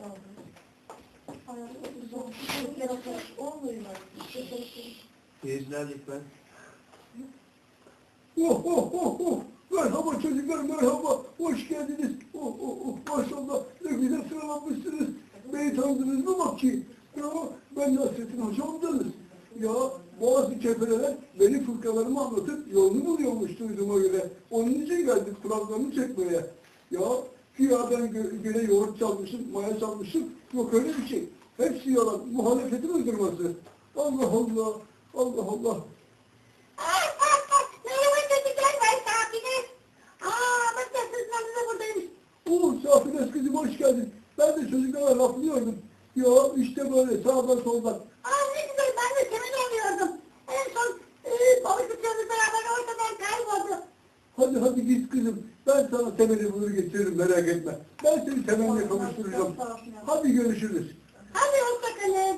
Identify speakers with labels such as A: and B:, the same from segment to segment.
A: Seyirciler lütfen.
B: Oh oh oh oh! Merhaba çocuklar, merhaba! Hoş geldiniz! Oh oh oh! Maşallah! Ne güzel sıralanmışsınız! Beni tanıdınız mı bak ki? Ya ben Nasrettin Hocam'danız. Ya bazı kefeler beni fıkralarımı anlatıp yolunu buluyormuş duyduğuma göre. Onun için geldik kulaklarını çekmeye. Ya güya ben göre yoğurt çalmışım, maya çalmışım. Yok öyle bir şey. Hepsi yalan. Muhalefetin uydurması. Allah Allah! Allah Allah!
C: Merhaba çocuklar, ben Safine. Bak nasılsınız da buradaymış.
B: Safines kızım hoş geldin. Ben de çocuklara laflıyordum. Ya işte böyle sağdan soldan.
C: Ne güzel, ben de senin oluyordum. En son konuştuklarımız beraber ortadan kayboldu.
B: Hadi git kızım. Ben sana temeli bulur getiririm merak etme. Ben seni temelle kavuşturacağım. Hadi görüşürüz.
C: Hadi hoşçakalın.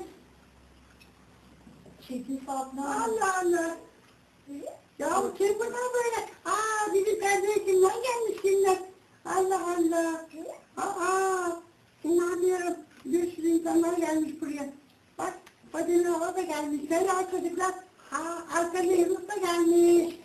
D: Çekil Fatma.
C: Allah Allah. Ya bu kim bunlar böyle? Bizim kardeşimden gelmiş kimler? Allah Allah. Şimdi anlıyorum. Bir sürü insanlar gelmiş buraya. Bak, Fadime Hava da gelmiş. Selam çocuklar. Arkada Yunus da gelmiş.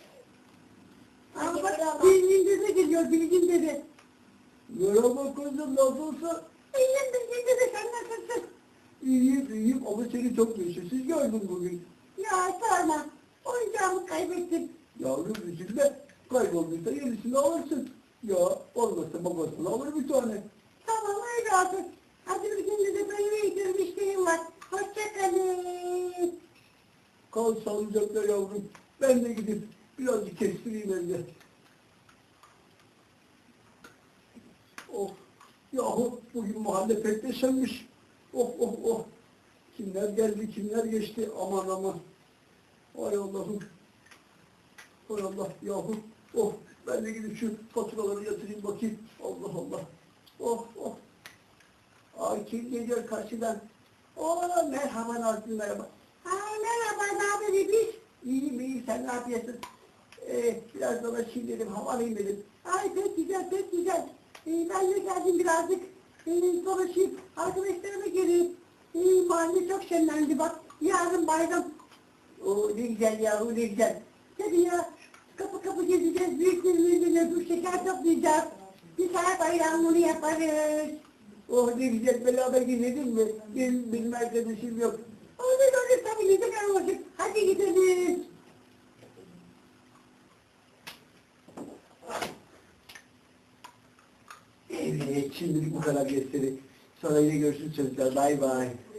C: Bak, Bilgin dede geliyor, Bilgin dede.
B: Merhaba kızım nasılsın?
C: İyiyim Bilgin dede, sen nasılsın?
B: İyiyim ama seni çok neşesiz gördüm bugün.
C: Ya sorma. Oyuncağımı kaybettim.
B: Yavrum üzülme. Kaybolduysa yenisini alırsın. Ya olmazsa babasını alır bir tane.
C: Tamam öyle olsun. Hadi Bilgin dede, böyle gidiyorum, işlerim var. Hoşçakalın.
B: Kal sağlıcakla yavrum. Ben de gidip birazcık kestireyim evde. Oh, yahu bugün mahalle pek neşenmiş. Oh. Kimler geldi, kimler geçti, aman aman. Ay Allah'ım. Hay Allah, yahu. Oh, ben de gidip şu faturaları yatırayım bakayım. Allah Allah. Oh. Ay kim geliyor karşıdan? Merhaba Nazlı, merhaba.
C: Merhaba, ne haber İbiş?
B: İyiyim, sen ne yapıyorsun? Biraz dolaşayım dedim, hava alayım dedim.
C: Pek güzel. Ben de geldim birazcık. Dolaşayım, arkadaşlarıma geleyim. Mahalle çok şenlendi bak. Yarın bayram.
B: Ne güzel yahu, ne güzel.
C: Tabii ya, kapı gezeceğiz. Büyüklerimizle dur şeker toplayacağız. Bir saat bayramını yaparız.
B: Ne güzel, beraber gidelim mi? Benim arkadaşım yok.
C: Olur tabii, neden olacak. Hadi gidelim.
B: Evet, şimdilik bu kadar gösteri. Sonra yine görüşürüz çocuklar, bay bay.